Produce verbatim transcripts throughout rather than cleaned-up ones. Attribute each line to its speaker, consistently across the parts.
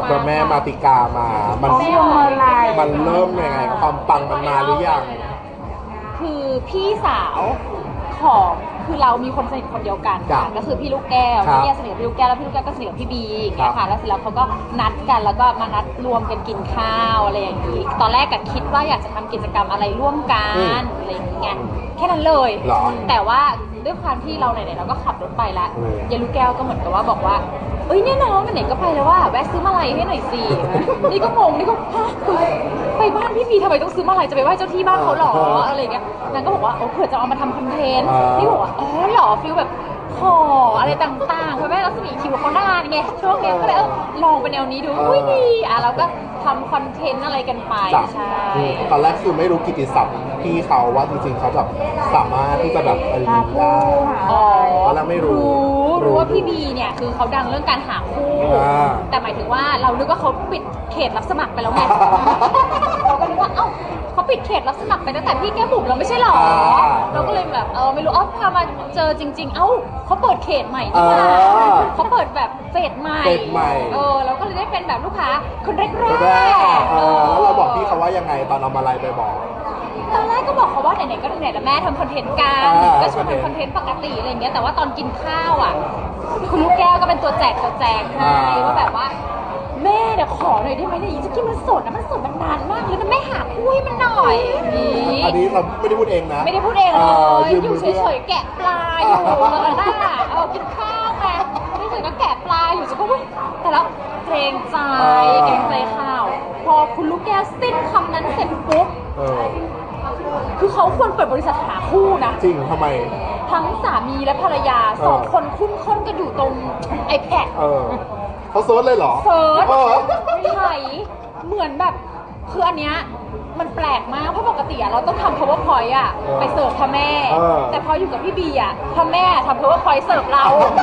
Speaker 1: พระแม่มาติกามามันมันเริ่มยังไงความปังมันมาหรือยัง
Speaker 2: คือพี่สาวของคือเรามีคนสนิทคนเดียวกันค่ะก็คือพี่ลูกแก้วพี่แก้วสนิทกับพี่ลูกแก้วแล้วพี่ลูกแก้วก็สนิทกับพี่บีอย่างเงี้ยค่ะแล้วเสร็จแล้วเขาก็นัดกันแล้วก็มานัดรวมกันกินข้าวอะไรอย่างนี้ตอนแรกก็คิดว่าอยากจะทำกิจกรรมอะไรร่วมกันอะไรอย่างเงี้ยแค่นั้นเลยแต่ว่าด้วยความที่เราไหนๆเราก็ขับรถไปแล้วยายลูกแก้วก็เหมือนกับว่าบอกว่าเอ้ยเนี่ยน้องไหนก็ไปแล้วว่าแวะซื้อมาลัยให้หน่อยสินี่ก็งงนี่ก็ฮะไปบ้านพี่บีทำไมต้องซื้อมาลัยจะไปไหว้เจ้าที่บ้านเขาหรออะไรเงี้ยนางก็บอกว่าโอ้เผื่อจะเอามาทำคอนเทนต์นี่บอกว่าอ๋อหรอฟิลแบบขออะไรต่างๆเพราะแม่รัศมีคิวเขานานไงช่วงนี้ก็เลยเออลองไปแนวนี้ดูอุ้ยดีอ่ะเราก็ทำคอนเทนต์อะไรกันไปใช่
Speaker 1: ตอนแรกคือไม่รู้กิตติศัพท์พี่เขาว่าจริงๆเขาแบบสามารถที่จะแบบเออได้
Speaker 2: อ๋อ
Speaker 1: ตอนแรกไม่รู้
Speaker 2: รู้ว่าพี่บีเนี่ยคือเขาดังเรื่องการหาคู่แต่หมายถึงว่าเรานึกว่าเขาปิดเขตรับสมัครไปแล้วไงเราก็นึกว่าเอ้าเขาปิดเขตรับสมัครไปตั้งแต่พี่แก้บุ๋มเราไม่ใช่หรอเราก็เลยแบบเออไม่รู้อ๋อพามาเจอจริงๆเอ้าเขาเปิดเขตใหม่ที่มาเขาเปิดแบบเฟสใหม่เออเราก็เลยได้เป็นแบบลูกค้าคนแรกๆ
Speaker 1: แล้วเราบอกพี่เขาว่ายังไงตอนเอามาลัยไปบอก
Speaker 2: ตอนแรกก็บอกเขาว่าไหนๆก็ไหนๆแล้วแม่ทำคอนเทนต์กันก็ชวนทำคอนเทนต์ปกติอะไรอย่างเงี้ยแต่ว่าตอนกินข้าวอ่ะคุณลูกแก้วก็เป็นตัวแจกตัวแจกให้ว่าแบบว่าแม่เดี๋ยวขอหน่อยได้ไหมเนี่ยจะกินมันสดนะมันสดมันนานมากเลยนะแม่หาคุยมันหน่อยนี่
Speaker 1: อันนี้เราไม่ได้พูดเองนะ
Speaker 2: ไม่ได้พูดเองเลยอยู่เฉยๆแกะปลาอยู่แล้วน่ะเออกินข้าวไงไม่เฉยก็แกะปลาอยู่จะก็ว่าแต่แล้วเกรงใจเกรงใจข้าวพอคุณลูกแก้วสิ้นคำนั้นเสร็จปุ๊บคือเขาควรเปิดบริษัทหาคู่นะ
Speaker 1: จริงทำไม
Speaker 2: ทั้งสามีและภรรยาสองคนคุ้นค้นกันอยู่ตรง iPad
Speaker 1: เออเขาเซิร์ชเลยเหรอ
Speaker 2: เซิร์ชไถเหมือนแบบคืออันเนี้ยมันแปลกมากเพราะปกติอะเราต้องทำ powerpoint อะไปเสิร์ฟพ่อแม่แต่พออยู่กับพี่บีอะพ่อแม่ทำ powerpoint เสิร์ฟเรา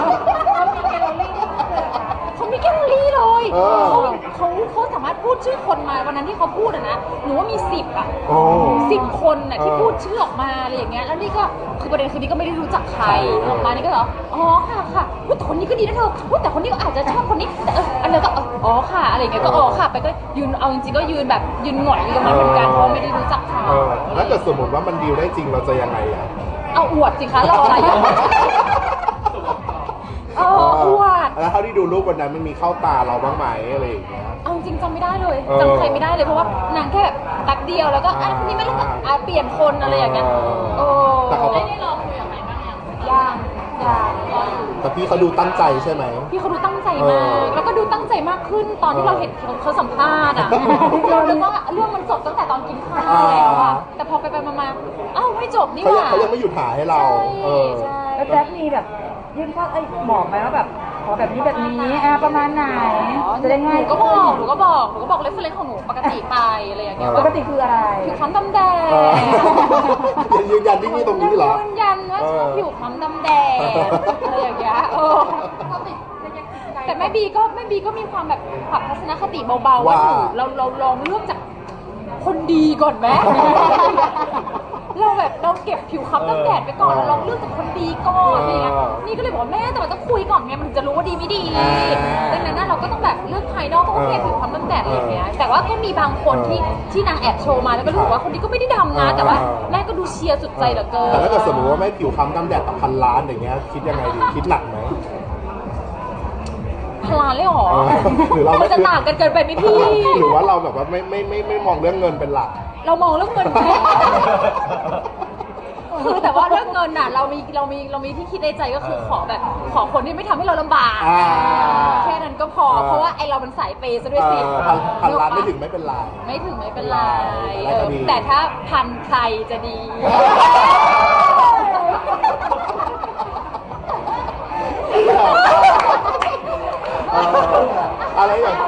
Speaker 2: เขามีแกลเลอรี่เลยเขาเขาเขาสามารถพูดชื่อคนมาวันนั้นที่เขาพูดอะนะหนูว่ามีสิบอะสิบคนอะที่พูดชื่อออกมาอะไรอย่างเงี้ยแล้วนี่ก็คือประเด็นคือนี่ก็ไม่ได้รู้จักใครออกมานี่ก็เหรออ๋อค่ะค่ะแต่คนนี้ก็ดีนะเธอแต่คนนี้ก็อาจจะชอบคนนี้แต่เอออันนี้ก็อ๋อค่ะอะไรอย่างเงี้ยก็อ๋อค่ะไปก็ยืนเอาจริงๆก็ยืนแบบยืนหงอยอยู่ตรงนั้นเหมือนกันเพราะไม่ได้รู้จักเขา
Speaker 1: แล้วเกิดสมมติว่ามันดีลได้จริงเราจะยังไงอะ
Speaker 2: เอาอวดสิคะรออะไรอยู่เอออวด
Speaker 1: แล้วเท่าที่ดูรูปวันนั้นมันมีเข้าตาเราบ้างไหมอะไรอย่างเงี้ย
Speaker 2: เอาจริงจำไม่ได้เลยจำใครไม่ได้เลยเพราะว่านางแค่แบบแป๊บเดียวแล้วก็อ่ะคนนี้ไม่รู้อ่ะเปลี่ยนคนอะไรอย่างเงี้ยโอ้
Speaker 1: แต่เขา
Speaker 2: ไม่ได้รอคุยกับใครบ้างยังยังรออยู่
Speaker 1: แต่พี่เขาดูตั้งใจใช่ไหม
Speaker 2: พี่เขาดูตั้งใจมากแล้วก็ดูตั้งใจมากขึ้นตอนที่เราเห็นเขาสัมภาษณ์อ่ะเราคิดว่าเรื่องมันจบตั้งแต่ตอนกินข้าวแล้วอ่ะแต่พอไปไปมาๆอ้าวไม่จบนี่หว่า
Speaker 1: เขายังไม่หยุดถ่ายให้เรา
Speaker 3: ใช่แล้วแจ๊คมีแบบยื่นข้อไอ้บอกไหมว่าแบบขอแบบนี้แบบนี้อ่ะประมาณไหนจะได้ง่าย
Speaker 2: หนูก็บอกหนูก็บอกหนูก็บอกเรฟเฟอเรนซ์ของหนูปกติไปอะไรอย่างเงี้ย
Speaker 3: ปกติคืออะไร
Speaker 2: ผิวคล้ำดำแดง
Speaker 1: ยืนยันที่นี่ตรงนี้เหรอ
Speaker 2: ยืนยันว่าชอบผิวคล้ำดำแดงอะไรอย่างเงี้ยเออแต่แม่บีก็แม่บีก็มีความแบบปรับทัศนคติเบาๆว่าเราเราลองเลือกจากคนดีก่อนไหมเราแบบเราเก็บผิวค้ำตั้งแดดไปก่อนเราลองเลือกจากคนดีก่อนอะไรเงี้ยนี่ก็เลยบอกว่าแม่แต่มันต้องคุยก่อนไงมันจะรู้ว่าดีไม่ดีดังนั้นเราก็ต้องแบบเลือกภายนอกก็โอเคผิวค้ำตั้งแดดอะไรเงี้ยแต่ว่าก็มีบางคนที่ที่นางแอบโชว์มาแล้วก็รู้สึกว่าคนนี้ก็ไม่ได้ดำนะแต่ว่าแม่ก็ดูเชียร์สุดใจเหลือเกิน
Speaker 1: แต่ถ้าเกิดสมมติว่าแม่ผิวค้ำตั้งแดดต่อพันล้านอย่างเงี้ยคิดยังไงดีคิดหนักไหม
Speaker 2: พลานเลยหรอหรือเราจะต่างกันเกินไปไหมพี่
Speaker 1: หรือว่าเราแบบว่าไม่ไม่ไม่ไม่มองเรื่องเงินเป็นหลัก
Speaker 2: เรามองเรื่องเงินคือแต่ว่าเรื่องเงินน่ะเรามีเรามีเรามีที่คิดในใจก็คือขอแบบขอคนที่ไม่ทำให้เราลำบากแค่นั้นก็พอเพราะว่าไอเราเป็นสายเปย์ซะด้วยสิ
Speaker 1: พันล้านไม่ถึงไม่เป็นไร
Speaker 2: ไม่ถึงไม่เป็นไรแต่ถ้าพันใครจะดี
Speaker 1: อะไรอย่าง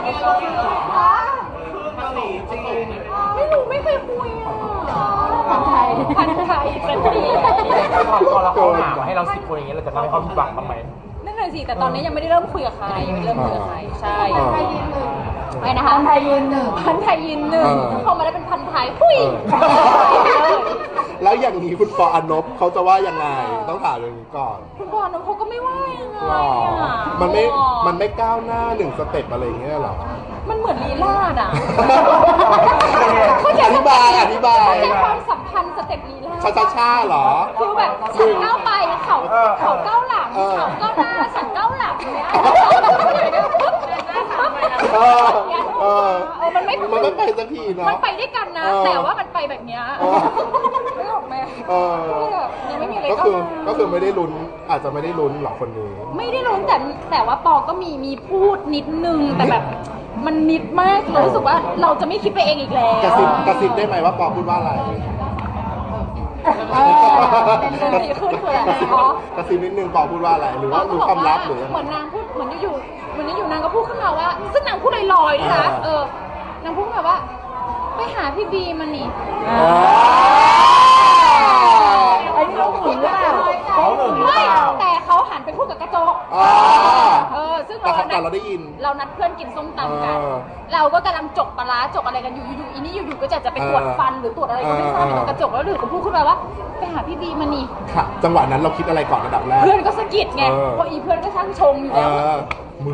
Speaker 2: ไม่รู้ไม่เคยคุยอ่ะพันไทยพันไทยสันติ
Speaker 4: พอเราเขาหามาให้เราสิบคนอย่างเงี้ยเราจะทำให้เขาผิดหวังบ้างไหม
Speaker 2: นั่นเลยสิแต่ตอนนี้ยังไม่ได้เริ่มคุยกับใครยังไม่เริ่มคุยกับใครใช่ไปนะคะ
Speaker 3: พันไทยยืนหนึ่ง
Speaker 2: พันไทยยืนหนึ่งพอมาได้เป็นพันไทยหุ้ย
Speaker 1: แล้วอย่างนี้คุณปออนบเขาจะว่ายังไงต้องถามอย่างนี้ก่อน
Speaker 2: คุณบอลน้องเขาก็ไม่ว่ายังไง
Speaker 1: หรอ
Speaker 2: อ่ะ
Speaker 1: มันไม่มันไม่ก้าวหน้าหนึ่งสเต็ปอะไรอย่างเงี้ยหรอ
Speaker 2: มันเหมือนลีลาดอ่ะ
Speaker 1: อธิบายอธิบาย
Speaker 2: เข้าใจความสัมพันธ์สเต็ปลีลาด
Speaker 1: ชาชาชาเหรอ
Speaker 2: คือแบบฉันก้าวไปเขา
Speaker 4: เออ
Speaker 2: เขาก้าวหลัง
Speaker 1: เออ
Speaker 2: เขาก้าวหน้าฉันก้าวหลังเนี่ย
Speaker 1: เออเออ
Speaker 2: เออมันไม่
Speaker 1: มันไม่ไปสักทีเนาะ
Speaker 2: มันไปด้วยกันนะ
Speaker 1: เออ
Speaker 2: แต่ว่ามันไปแบบเนี้ย
Speaker 1: เออ
Speaker 2: ไม่ออกไหม
Speaker 1: เออ
Speaker 2: แบบยังไม่มีอะไร
Speaker 1: ก็
Speaker 2: ก้าว
Speaker 1: คือ
Speaker 2: หน้า
Speaker 1: ก็คือไม่ได้ลุ้นอาจจะไม่ได้ลุ้นหรอกคนนี้
Speaker 2: ไม่ได้รู้แต่แต่ว่าปอก็มีมีพูดนิดนึงแต่แบบมันนิดมากเรารู้สึกว่าเราจะไม่คิดไปเองอีกแล้ว
Speaker 1: กระซิบกระซิบได้ไหมว่าปอพูดว่าอะไร
Speaker 2: เออเป็นดีขึ้นคืออะไรอ๋อก
Speaker 1: ระซิบนิดนึงปอพูดว่าอะไร หรือว่ารู้ความลับหรือยัง
Speaker 2: เห
Speaker 1: ไง
Speaker 2: มือนนางพูดเหมือนอยู่ๆเหมือนอยู่ๆนางก็พูดขึ้นมาว่า ซึ่งนางพูดลอยๆด้วยนะ
Speaker 1: อ่า
Speaker 2: เออนางพูดแบบว่า ไปหาพี่บีมันนี่
Speaker 1: อ๋อ
Speaker 3: ไอ้นี่เขาหึงหรือเปล่า
Speaker 4: เขาหนึ่งหรือ
Speaker 2: ไม่
Speaker 4: เปล่า
Speaker 2: แต่เขาหันไปพูดกับกระจก
Speaker 1: อ๋อ
Speaker 2: เออซึ่ง
Speaker 1: แต่
Speaker 2: เรา
Speaker 1: เขาแต่เราได้ยิน
Speaker 2: เรานัดเพื่อนกินส้มตำกัน
Speaker 1: เออ
Speaker 2: เราก็กำลังจกปลาร้าจกอะไรกันอยู่อยู่ๆอีนี่อยู่ๆก็จะจะไปตรวจฟันหรือตรวจอะไรก็ไม่ทราบ
Speaker 1: เออ
Speaker 2: อยู่ตรงกระจกแล้วหรือก็พูดขึ้นมาว่า ไปหาพี่บีมันนี่
Speaker 1: ค่ะ จังหวะนั้นเราคิดอะไรก่อนระดับแรก
Speaker 2: เพื่อนก็สะกิดไง
Speaker 1: เออ
Speaker 2: เพราะอีเพื่อนก็ช่างชงอยู่
Speaker 1: เอ
Speaker 2: แล้ว
Speaker 1: อมึง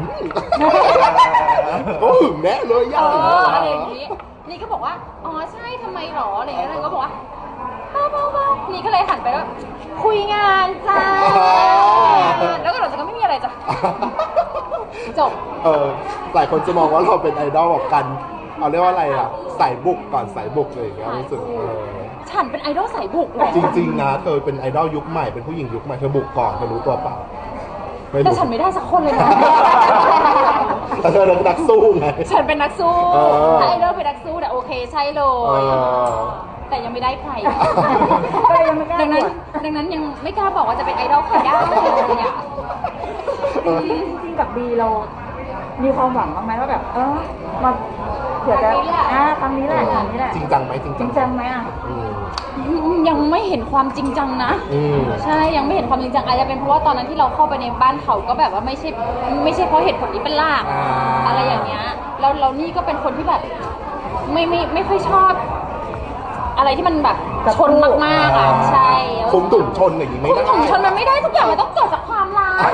Speaker 1: ก็หึงแน่เลย
Speaker 2: เอ
Speaker 1: ย่า
Speaker 2: ออะไรอย่างนี้ นี่ก็บอกว่า อ๋อใช่ทำไมหรออะไรอย่างเงี้ยนางก็บอกว่าเบาๆๆนี่ก็เลยหันไปว่าคุยงานจ้า แล้วก็หลังจากนั้นไม่มีอะไรจ้ะ จบ
Speaker 1: เออหลายคนจะมองว่าเราเป็นไอดอลแบบกันเอาเรียกว่าอะไรอ่ะสายบุกก่อนสายบุกเลยอย่างเงี้ยรู้สึกเออ
Speaker 2: ฉันเป็นไอดอลสายบุกเลย
Speaker 1: จริงๆนะเธอเป็นไอดอลยุคใหม่เป็นผู้หญิงยุคใหม่เธอบุกก่อนเธอรู้ตัวเปล่าไม่
Speaker 2: แต่
Speaker 1: รู้
Speaker 2: ฉันไม่ได้สักคนเลยนะ
Speaker 1: แต่เธอเป็นนักสู้ไง
Speaker 2: ฉันเป็นนักสู้
Speaker 1: เออ
Speaker 2: ถ้าไอดอลเป็นนักสู้แต่ยโอเคใช่เล
Speaker 1: เอย อ
Speaker 2: แต่ยังไม่ได้ใคร
Speaker 3: ก็เลยยังไม่กล้า
Speaker 2: ดัง
Speaker 3: บ
Speaker 2: นั้น
Speaker 3: วช
Speaker 2: ดังนั้นยังไม่กล้าบอกว่าจะเป็นไอดอลใครได้เลยอ่ะ
Speaker 1: เออ
Speaker 3: จริงๆกับบีเรา มีความหวังบ้างไหมว่าแบบ เออมาเดี๋ยวจะอ่าครั้งนี้แหละครั้งนี้แหละ
Speaker 1: จริงจังไหมจริง
Speaker 3: จริงจังไหมอ่ะ
Speaker 1: อืม
Speaker 2: ยังไม่เห็นความจริงจังนะ
Speaker 1: อืม
Speaker 2: ใช่ยังไม่เห็นความจริงจังอาจจะเป็นเพราะว่าตอนนั้นที่เราเข้าไปในบ้านเขาก็แบบว่าไม่ใช่ไม่ใช่เพราะเหตุผลนี้เป็นหลัก
Speaker 1: อ่า
Speaker 2: อะไรอย่างเงี้ยแล้วเรานี่ก็เป็นคนที่แบบ ไม่ไม่ไม่ค่อยชอบ อะไรที่มันแบบชนมากๆอ่ะใช่
Speaker 1: คุมถุงชนอย่างนี้ไม่
Speaker 2: คุม
Speaker 1: ได้
Speaker 2: ถุงชนมันไม่ได้ทุกอย่างมันต้องเกิดจากความรัก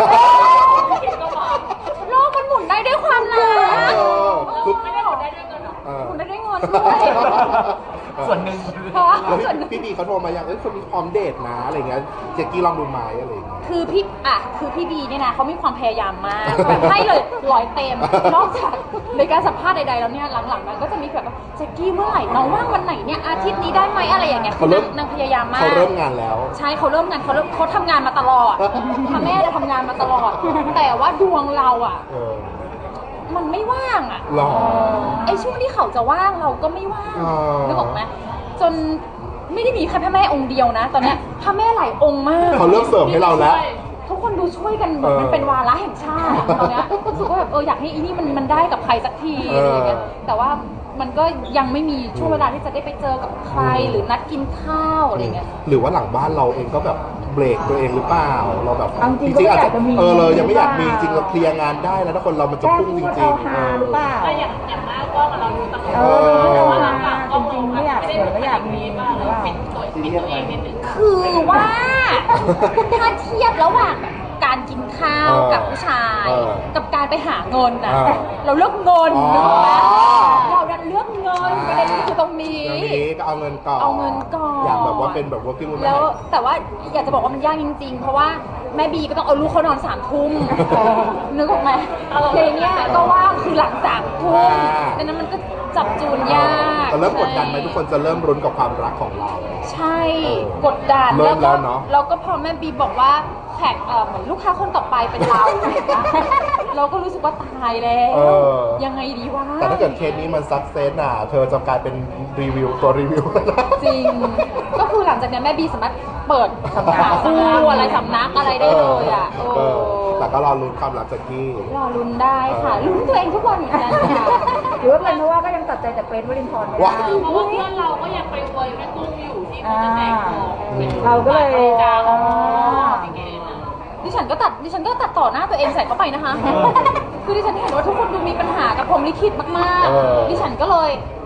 Speaker 2: โลกมันหมุนได้ด้วยความรัก
Speaker 1: เออคือ
Speaker 2: ไม่ได้หมุนได้ด้วยเงินหรอ
Speaker 1: เออ
Speaker 2: หมุนได้ด้วยเงินด้วย
Speaker 4: ส่วนหนึ่ง
Speaker 2: เพราะว่า
Speaker 1: แล้ว
Speaker 2: ส่วนหนึ่ง
Speaker 1: พี่บีเขาโทรมาอย่างเอ้ยคนนี้พร้อมเดทนะอะไรเงี้ยเจ๊กี้ลองดูไหมอะไรเงี้ย
Speaker 2: คือพี่อ่ะคือพี่บีเนี่ยนะเขามีความพยายามมากแบบให้เลยร้อยเต็มนอกจากในการสัมภาษณ์ใดๆแล้วเนี่ยหลังๆมันก็จะมีแบบว่าแจ็คกี้เมื่อไหร่น้องว่างวันไหนเนี่ยอาทิตย์นี้ได้ไหมอะไรอย่างเงี้ยคือนางนางพยายามมาก
Speaker 1: เขาเริ่มงานแล้ว
Speaker 2: ใช่เขาเริ่มงานเขาเริ่มเขาทำงานมาตลอดพ่อแม่เนี่ยทำงานมาตลอด แต่ว่าดวงเราอ่ะ
Speaker 1: เออ
Speaker 2: มันไม่ว่างอ่ะ
Speaker 1: หรอ
Speaker 2: ไอ้ช่วงที่เขาจะว่างเราก็ไม่ว่าง
Speaker 1: อ๋อ
Speaker 2: นึกออกไหมจนไม่ได้มีแค่พระแม่องค์เดียวนะ ตอนเนี้ยพระแม่หลายองค์มาก
Speaker 1: เขาเริ่มเสริมให้เราแล้ว
Speaker 2: ทุกคนดูช่วยกันเหมือนมัน
Speaker 1: เออ
Speaker 2: เป็นวาระแห่งชาติตอนเนี้ยรู้สึกว่าแบบเอออยากให้อีนี่มันมันได้กับใครสักที
Speaker 1: เอออ
Speaker 2: อะไรอย่างเงี้ยแต่ว่ามันก็ยังไม่มีช่วงเวลาที่จะได้ไปเจอกับใครหรือนัดกินข้าวอะไรเงี้ย
Speaker 1: หรือว่าหลังบ้านเราเองก็แบบเบรกตัวเองหรือเปล่าเราแบบ
Speaker 3: เอาจริงก็ไม่
Speaker 1: อาจ
Speaker 3: อยา
Speaker 1: จะ
Speaker 3: กจะมี
Speaker 1: เออเลยยังไม่อยากมี
Speaker 3: หรือเปล่า
Speaker 1: จริงเราเคลียร์งานได้แล้วถ้าคนเรามันจะ
Speaker 3: แก้
Speaker 1: พุ่ง
Speaker 3: พู
Speaker 1: จ
Speaker 3: ด
Speaker 1: ริ
Speaker 3: เอา
Speaker 1: ง
Speaker 3: ฮาหรือเปล่า
Speaker 2: แต่อย่างอย่างมากก็เราดูตลอด
Speaker 3: เออพูดเอาฮาจริงๆไม่อยากเสียไม่อยากมีหรือเปล่า
Speaker 2: คือว่าถ้าเทียบระหว่างแบบการกินข้าว
Speaker 1: เออ
Speaker 2: กับผู้ชาย
Speaker 1: เออ
Speaker 2: กับการไปหาเงินน่ะ
Speaker 1: เออ
Speaker 2: เราเลือกเงิน
Speaker 1: อ๋อ
Speaker 2: นึกออกไหมเราดันเลือกเงินประเด็นคือตรงนี้
Speaker 1: เรื่องนี้ก็เอาเงินก่อน
Speaker 2: เอาเงินก่อน
Speaker 1: อยากแบบว่าเป็นแบบ working woman
Speaker 2: แล้วแต่ว่าอยากจะบอกว่ามันยากจริง ๆ เพราะว่าแม่บีก็ต้องเอาลูกเขานอนสามทุ่มนึกออกไหมเพลงเนี้ยก็ว่างคือหลังสามทุ่ม
Speaker 1: อ่า
Speaker 2: ดังนั้นมันก็จับจูนยาก
Speaker 1: แต่เริ่มกดดันไหมทุกคนจะเริ่มรุนกับความรักของเรา
Speaker 2: ใช่
Speaker 1: เออก
Speaker 2: ดดัน
Speaker 1: เริ่
Speaker 2: แล้ว
Speaker 1: ม
Speaker 2: ก็
Speaker 1: แล้วเนอะ
Speaker 2: แล้วก็พอแม่บีบอกว่าแขกเอ่อเหมือนลูกค้าคนต่อไปเป็นเรา เราก็รู้สึกว่าตายแล้ว
Speaker 1: เออ
Speaker 2: ยังไงดีวะ
Speaker 1: แต่ถ้าเกิดเคสนี้มันซักเซสน่ะเธอจะกลายเป็นรีวิวตัวรีวิวแล้วนะ
Speaker 2: จริง ก็คือหลังจากนี้แม่บีสามารถเปิดสำนักคู่อะไรสำนักอะไรได้เลยอ่ะ
Speaker 1: เอ
Speaker 2: โอ้
Speaker 1: อแต่ก็รอลุ้นความรักจากกี้
Speaker 2: รอลุ้นได้ค่ะ ลุ้นตัวเองทุกวันเหมือนกันค่ะ
Speaker 3: หรือว่าเป็นเพราะว่าก็ยังตัดใจแต่เฟรนวลินทรไม่ได้
Speaker 1: ว้าว
Speaker 2: เพราะว่าเพื่อนเราก็ยังไปอวยแม่ตุ้มอยู่ที่
Speaker 3: อ่า
Speaker 2: เขาจะแจกของ
Speaker 3: เราก็เลย
Speaker 2: จ้า
Speaker 3: อ๋อ
Speaker 2: ดิฉันก็ตัดดิฉันก็ตัดต่อหน้าตัวเองใส่เข้าไปนะคะ คือดิฉันเห็นว่าทุกคนดูมีปัญหากับพรหมลิขิตมาก
Speaker 1: เออ
Speaker 2: ๆ ดิฉันก็เลย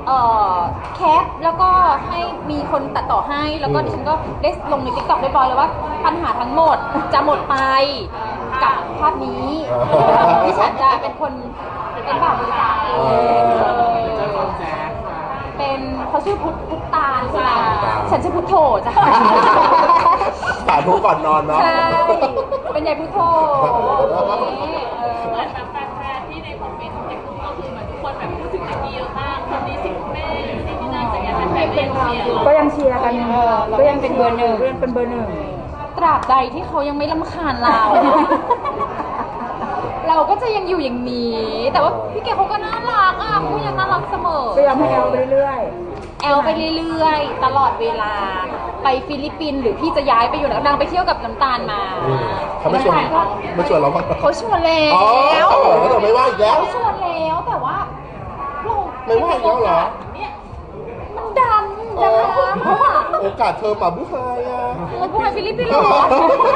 Speaker 2: เอ่อแคปแล้วก็ให้มีคนตัดต่อให้แล้วก็
Speaker 1: อืม
Speaker 2: ดิฉันก็ได้ลงใน ติ๊กต็อก เรียบร้อยแล้วว่าปัญหาทั้งหมดจะหมดไปกับภาพนี้ดิฉันจะเป็นคนเป็นบ่าวบริจาคเองเป็นเขาชื่อพุทธพุทธตาลใช่ไหมฉันชื่อพุทโธจ้ะ
Speaker 1: สาธุก่อนนอนเนาะ
Speaker 2: ใช่ เป็นยายพุทโธนี่เออ
Speaker 5: เหมือนแบบแฟนๆที่ในคอมเมนต์ในกลุ่มก็คือเหมือนทุกคนแบบพูดถึงเจนนี่เยอะมากคนนี้สิคุณแม่นี่นี่นั่นแต่ยังแฟนๆเป็นเชียร์
Speaker 3: ก็ยังเชียร์กันก็ยังเป็นเบอร์หนึ่งก็ยังเป็นเบอร์หนึ่ง
Speaker 2: ตราบใดที่เขายังไม่รำคาญเรา เราก็จะยังอยู่อย่างนี้ แต่ว่าพี่เก๋เขาก็น่ารักอ่ะเขายังน่ารักเสมอ
Speaker 3: ก็ยังให้แอลไปเรื่อย
Speaker 2: แอลไปเรื่อยๆ ตลอดเวลา ไปฟิลิปปินส์หรือพี่จะย้ายไปอยู่ไหนนางไปเที่ยวกับน้ำตาลมา
Speaker 1: อืมเขาไม่ชวนไม่ชวนเราบ้าง
Speaker 2: เขาชวนแล้
Speaker 1: อ๋อ
Speaker 2: ว
Speaker 1: แล้วแต่ไม่ว่าอีกแล้ว
Speaker 2: เขาชวนแล้วแต่ว่าเรา
Speaker 1: ไม่ว่าอีกแล้วเหรอ
Speaker 2: เนี่ยมันดัน
Speaker 1: อ๋
Speaker 2: ดั
Speaker 1: อน
Speaker 2: เพราะว่า
Speaker 1: โอกาสเธอป่าบุไฮอ่ะ
Speaker 2: เราพูดไปฟิลิปปินส์เหรอ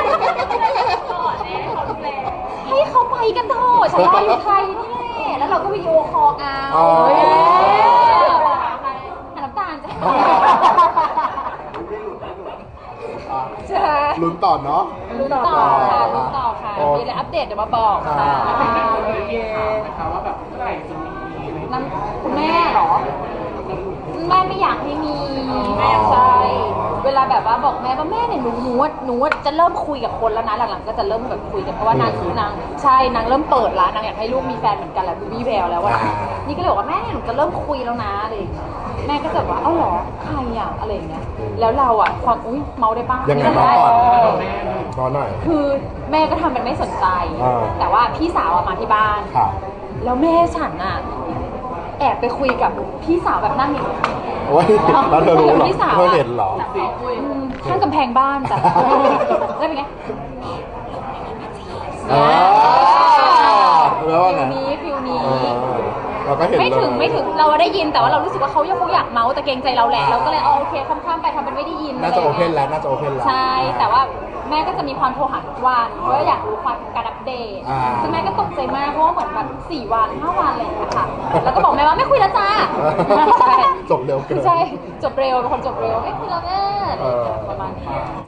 Speaker 2: ให้เขาไปกันเถอะฉันรออยู่ไทยนี่แหละแล้วเราก็วิดีโอคอลเอา
Speaker 1: อ๋อ
Speaker 2: เออหาน้ำตาลจ้ะใช่
Speaker 1: ลุ้นต่อเนาะ
Speaker 2: ลุ้นต่อค่ะลุ้นต่อค่ะ
Speaker 1: อ๋อ
Speaker 2: มีอะไรอัปเดตเดี๋ยวมาบอกค่ะ
Speaker 1: อ่า
Speaker 2: นั่นคุณแม่เหรอ แม่ไม่อยากให้มีแม่ใช่ เวลาแบบว่าบอกแม่ว่าแม่เนี่ยหนูหนูว่าหนูว่าจะเริ่มคุยกับคนแล้วนะหลังๆก็จะเริ่มแบบคุยกันเพราะว่านางนางใช่นางเริ่มเปิดแล้วนางอยากให้ลูกมีแฟนเหมือนกันแหละดูวี่แววแล้วว่า
Speaker 1: อ่า
Speaker 2: นี่ก็เลยบอกว่าแม่เนี่ยหนูจะเริ่มคุยแล้วนะอะไรอย่างเงี้ยแม่ก็จะบอกว่าเอ้าเหรอใครอ่ะอะไรอย่างเงี้ยแล้วเราอ่ะความอุ้ยเมาได้ปะ
Speaker 1: ยังไง
Speaker 2: ม่
Speaker 1: น้อง
Speaker 2: ด้
Speaker 1: ก่อน
Speaker 2: เออ
Speaker 1: นอนหน่อย
Speaker 2: คือแม่ก็ทำเป็นไม่สนใจ
Speaker 1: อ่า
Speaker 2: แต่ว่าพี่สาวอะมาที่บ้าน
Speaker 1: ค่ะ
Speaker 2: แล้วแม่ฉันอะแอบไปคุยกับพี่สาวแบบนั่งอยู่
Speaker 1: โอ้ยแล้วเธอรู้เหรอ
Speaker 2: พี่สาว
Speaker 1: เธอ
Speaker 2: อะ
Speaker 1: เห็นเหรอ
Speaker 2: อืมข้างกำแพงบ้านจ้ะ แล้วเป็นไง
Speaker 1: อ่าแล้วว่าไง
Speaker 2: ฟิลนี้ฟิลนี้
Speaker 1: เออเราก็เห็น
Speaker 2: ไม่ถึง
Speaker 1: เลย
Speaker 2: ไม่ถึงเราได้ยินแต่ว่าเรารู้สึกว่าเขายังคงอยากเมาส์แต่เกรงใจเราแหละเราก็เลยเอาโอเคข้ามๆไปทำเป็นไม่ได้ยิน
Speaker 1: น่าจะ
Speaker 2: ไร
Speaker 1: โอ
Speaker 2: ย่ง
Speaker 1: เพ
Speaker 2: งี้ย
Speaker 1: นแล้วน่าจะโอเพนแล้ว
Speaker 2: ใช่ แต่ว่าแม่ก็จะมีความโทรหาทุกวันเพราะว่าอยากรู้ความการอัปเดต
Speaker 1: อ่า
Speaker 2: ซึ่งแม่ก็ตกใจมากเพราะว่าเหมือนแบบสี่วันห้าวันอะไรอย่างเงี้ยค่ะ แล้วก็บอกแม่ว่าไม่คุยแล้วจ้า
Speaker 1: จบเร็วเกิน
Speaker 2: ใช่ จบเร็วเป็นคนจบเร็วไม่คุยแล้วแม่
Speaker 1: เออ
Speaker 2: ประมาณนี้